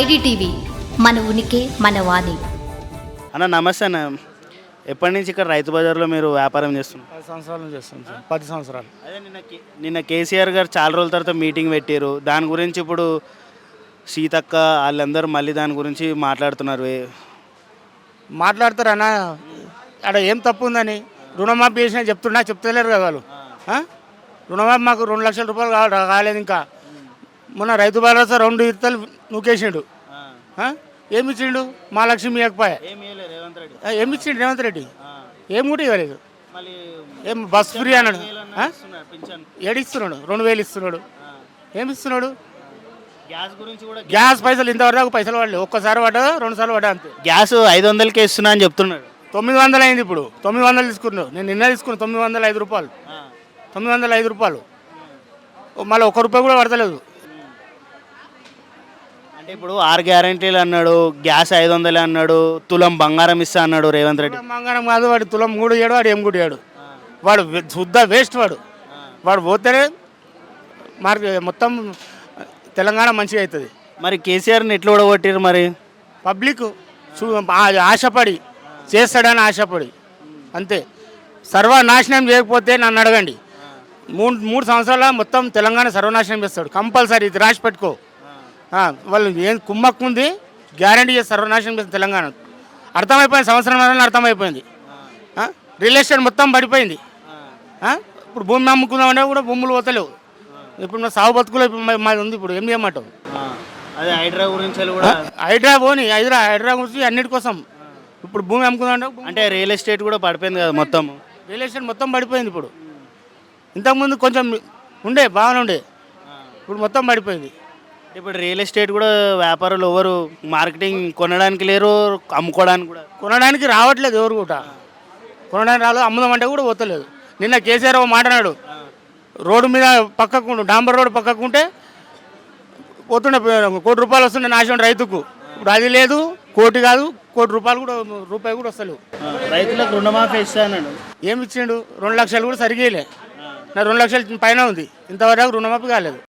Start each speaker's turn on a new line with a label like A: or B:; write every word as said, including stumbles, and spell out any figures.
A: IDTV మన ఉనికి మన వాణి.
B: అన్న నమస్తే అన్న. ఎప్పటి నుంచి ఇక్కడ రైతు బజార్లో మీరు వ్యాపారం చేస్తున్నారు?
C: పది సంవత్సరాలు చేస్తాం సార్. పది సంవత్సరాలు.
B: అదే నిన్న కే- నిన్న కేసీఆర్ గారు చాలా రోజుల తర్వాత మీటింగ్ పెట్టారు. దాని గురించి ఇప్పుడు సీతక్క వాళ్ళందరూ మళ్ళీ దాని గురించి మాట్లాడుతున్నారు. ఏ-
C: మాట్లాడతారు అన్న, అక్కడ ఏం తప్పు ఉందని రుణమాఫీ చేసినా చెప్తున్నా చెప్తలేరు కదా వాళ్ళు. ఆ? రుణమాఫీ మాకు రెండు లక్షల రూపాయలు కావాలి కాలేదు. ఇంకా మొన్న రైతు భరోసా రెండు ఇత్తలు నూకేసిండు. ఆ? ఏమి ఇచ్చిండు? మా లక్ష్మి ఇవ్వకపోయా.
B: ఏం ఇయ్యలే రేవంత్ రెడ్డి.
C: ఆ, ఏమి ఇచ్చిండు రేవంత్ రెడ్డి?
B: ఆ.
C: ఏం కూడా ఇవ్వలేదు.
B: మళ్ళీ
C: ఏం బస్ ఫ్రీ అన్నాడు. ఆ?
B: ఇస్తున్నారు పింఛన్.
C: ఏడిస్తున్నాడు, రెండు వేలు ఇస్తున్నాడు.
B: ఆ.
C: ఏమి ఇస్తున్నాడు?
B: గ్యాస్ గురించి కూడా
C: గ్యాస్ పైసలు ఇంతవరకు పైసలు పడలేదు. ఒక్కసారి పడ్డా రెండు సార్లు పడ్డా అంతే.
B: గ్యాస్ ఐదు వందలకే ఇస్తున్నా అని చెప్తున్నాడు.
C: తొమ్మిది వందలు అయింది ఇప్పుడు. తొమ్మిది వందలు తీసుకున్నావు. నేను నిన్న తీసుకున్నాను తొమ్మిది వందల ఐదు రూపాయలు.
B: ఆ.
C: తొమ్మిది వందల ఐదు రూపాయలు మళ్ళీ ఒక్క రూపాయి కూడా పడతలేదు.
B: అంటే ఇప్పుడు ఆరు గ్యారంటీలు అన్నాడు, గ్యాస్ ఐదు వందలు అన్నాడు, తులం బంగారం ఇస్తా అన్నాడు రేవంత్ రెడ్డి.
C: మంగళం కాదు, వాడు తులం మూడు ఏడు, వాడు ఏం కూడా ఏడు. వాడు వె- శుద్ధ వేస్ట్ వాడు. వాడు పోతేనే మార్కెట్ మొత్తం తెలంగాణ మంచిగా అవుతుంది.
B: మరి కేసీఆర్ని ఎట్లా ఓడగొట్టారు మరి?
C: పబ్లిక్ చూ- ఆ- ఆశపడి చేస్తాడని ఆశపడి అంతే. సర్వనాశనం చేయకపోతే నన్ను అడగండి. మూడు మూడు సంవత్సరాల మొత్తం తెలంగాణ సర్వనాశనం చేస్తాడు కంపల్సరీ. ఇది రాసి పెట్టుకో. ఆ, వాళ్ళు ఏం కుమ్మక్కు ఉంది, గ్యారంటీ చేసి సర్వనాశనం చేస్తారు తెలంగాణ. అర్థమైపోయింది, సంవత్సరం వల్ల అర్థమైపోయింది. ఆ, రియల్ ఎస్టేట్ మొత్తం పడిపోయింది. ఆ, ఇప్పుడు భూమి అమ్ముకుందామంటే కూడా భూములు పోతలేవు. ఇప్పుడు మా సాగు బతుకులో ఇప్పుడు మా- మాది ఉంది. ఇప్పుడు ఏం చేయమంటావు?
B: అదే హైడ్రా గురించి కూడా
C: హైడ్రా పోని హైదరా హైడ్రా గురించి అన్నిటి కోసం ఇప్పుడు భూమి అమ్ముకుందామంటే భూమి-
B: అంటే రియల్ ఎస్టేట్ కూడా పడిపోయింది కదా మొత్తం.
C: రియల్ ఎస్టేట్ మొత్తం పడిపోయింది. ఇప్పుడు ఇంతకుముందు కొంచెం ఉండే బాగానే ఉండే, ఇప్పుడు మొత్తం పడిపోయింది.
B: ఇప్పుడు రియల్ ఎస్టేట్ కూడా వ్యాపారులు ఎవరు మార్కెటింగ్ కొనడానికి లేరు, అమ్ముకోవడానికి కూడా.
C: కొనడానికి రావట్లేదు ఎవరు కూడా. కొనడానికి రాలేదు, అమ్ముదామంటే కూడా పోతలేదు. నిన్న కేసీఆర్ ఒక మాట అన్నాడు, రోడ్డు మీద పక్కకు డాంబర్ రోడ్డు పక్కకు ఉంటే పోతుండే కోటి రూపాయలు వస్తుండే నాశనం రైతుకు. ఇప్పుడు అది లేదు, కోటి కాదు కోటి రూపాయలు కూడా రూపాయి కూడా వస్తలేవు.
B: రైతులకు రుణమాఫీ ఇస్తా అన్నాడు.
C: ఏమి ఇచ్చిండు? రెండు లక్షలు కూడా సరిగేయలే. నా రెండు లక్షల పైన ఉంది, ఇంతవరకు రుణమాఫీ కాలేదు.